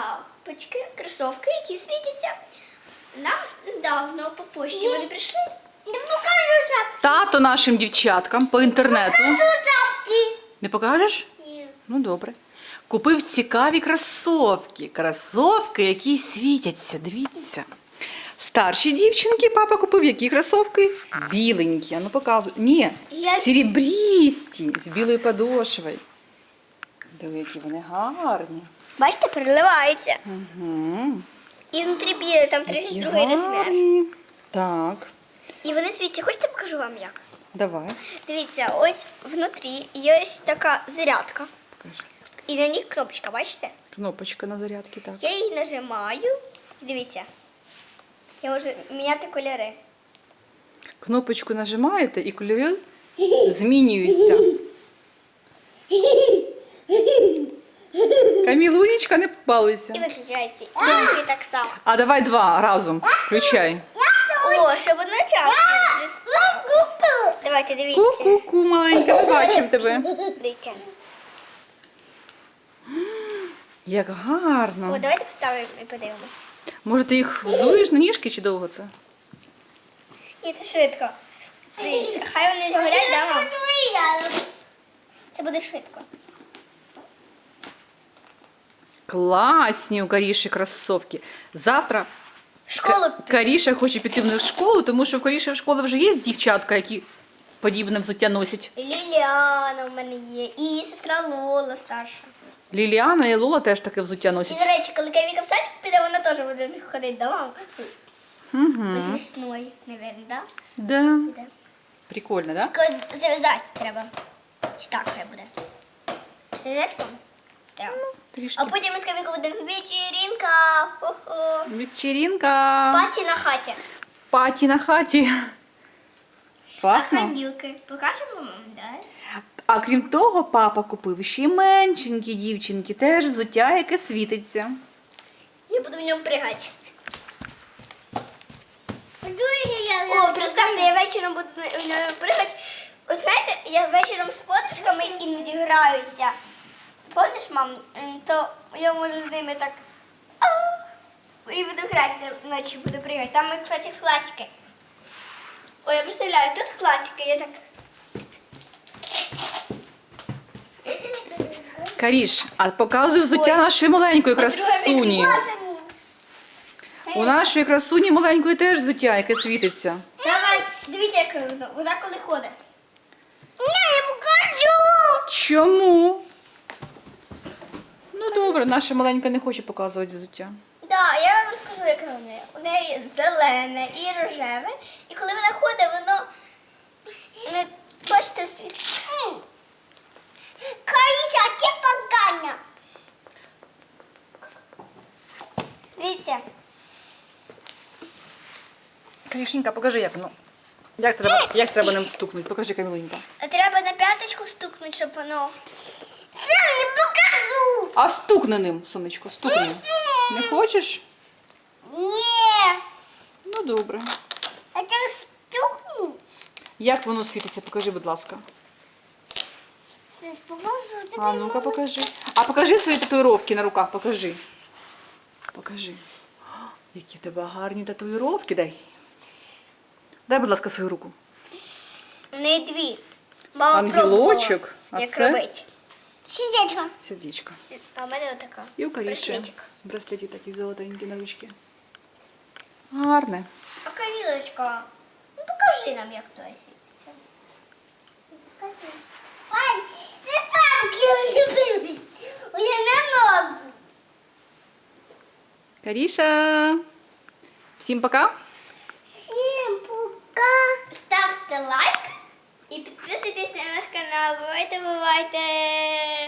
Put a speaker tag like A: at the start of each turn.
A: тапочки, кросовки, які світяться. Нам недавно по пошті вони прийшли. Не покажу тапки.
B: Тато нашим дівчаткам по інтернету.
A: Тапки.
B: Не покажеш?
A: Ні.
B: Ну добре. Купив цікаві кросовки. Кросовки, які світяться. Дивіться. Старші дівчинки папа купив які кросовки? Біленькі. А ну показуй. Ні, серебрісті, з білою подошвою. Диви, які вони гарні.
A: Бачите, переливається.
B: Угу.
A: І внутрі біле, там 32 розмір.
B: Так,
A: І вони світяться. Хочете покажу вам як?
B: давай.
A: Дивіться, ось внутрі є ось така зарядка.
B: Покажи.
A: І на ній кнопочка, бачите?
B: Кнопочка на зарядці, так.
A: Я її нажимаю. Дивіться. Я можу міняти кольори.
B: Кнопочку нажимаєте і кольори змінюються. Камілунечка, не балуйся.
A: І виключається. І так само.
B: А давай два разом. Включай.
A: О, щоб одночасно. Давайте, дивіться.
B: Ку-ку-ку, маленька, ми бачимо тебе.
A: Дивіться.
B: Як гарно.
A: О, давайте поставимо і подивимось.
B: Може, ти їх взуєш на ніжки чи довго це?
A: Ні, це швидко. Дивіться, хай вони вже горять, да, мам? Це буде швидко.
B: Класні у Каріші кросовки. Завтра
A: В школу.
B: Каріша хоче піти в школу, тому що в Каріші в школі вже є дівчатка, які подібне взуття носять.
A: Ліліана в мене є. І сестра Лола старша.
B: Ліліана і Лола теж таке взуття
A: І,
B: носять.
A: до речі, коли Кавіка в садик піде, вона теж буде ходити до мами.
B: Угу.
A: З весною, мабуть, да?
B: Да.
A: Буде.
B: Прикольно, да?
A: Тільки зав'язати треба. Чи так хай буде? Зав'язати, мам? Треба.
B: Трішки.
A: А потім ми з Кавікою будемо вечірінка. Хо-хо.
B: Вечеринка.
A: Паті на хаті.
B: Паті на хаті.
A: А
B: Класно.
A: хамілки. Покажемо мам, да?
B: А крім того, папа купив ще й меншенькі дівчинки, теж взуття, яке світиться.
A: Я буду в ньому пригати. О, представте, я вечором буду в ньому пригати. Ви знаєте, я вечором з подружками іноді граюся. Помниш, мам, то я можу з ними так і буду гратися вночі, буду пригати. Там, кстати, класики. Ой, я представляю, тут класика, я так...
B: Каріш, а показуй взуття нашої маленької красуні. У нашої красуні маленької теж взуття, яке світиться.
A: Давай, дивіться, як вона коли ходить. Ні, я покажу!
B: Чому? Ну добре, наша маленька не хоче показувати взуття.
A: Так, я вам розкажу, яке у неї. У неї зелене і рожеве. І коли вона ходить, воно не бачите світ. Каріша, ти погана. Дивіться.
B: Карішенька, покажи, як воно. Як треба ним стукнути? Покажи, Каміленька.
A: Треба на п'яточку стукнути, щоб воно... Це не покажу!
B: А стукни ним, сонечко, стукни. Не хочеш?
A: Ні.
B: Ну добре.
A: А це стукну?
B: Як воно світиться? Покажи, будь ласка.
A: Це покажу тобі.
B: А ну-ка покажи. А покажи свої татуїровки на руках, покажи. Покажи. О, які в тебе гарні татуїровки, дай. Дай, будь ласка, свою руку.
A: У неї дві. Мама
B: Ангелочок,
A: пробувала,
B: а
A: як
B: це?
A: робити. Сердечко.
B: Сердечко.
A: А в мене отака.
B: І у Каріші.
A: Браслетик.
B: Браслетик такий золотенький на ручки. Гарне.
A: А Камілочка, ну покажи нам, як то світиться. Покажи. Ай, ти там любив. Я не можу.
B: Каріша. Всім пока.
A: Всім пока. Ставте лайк і підписуйтесь на наш канал. Бувайте, бувайте.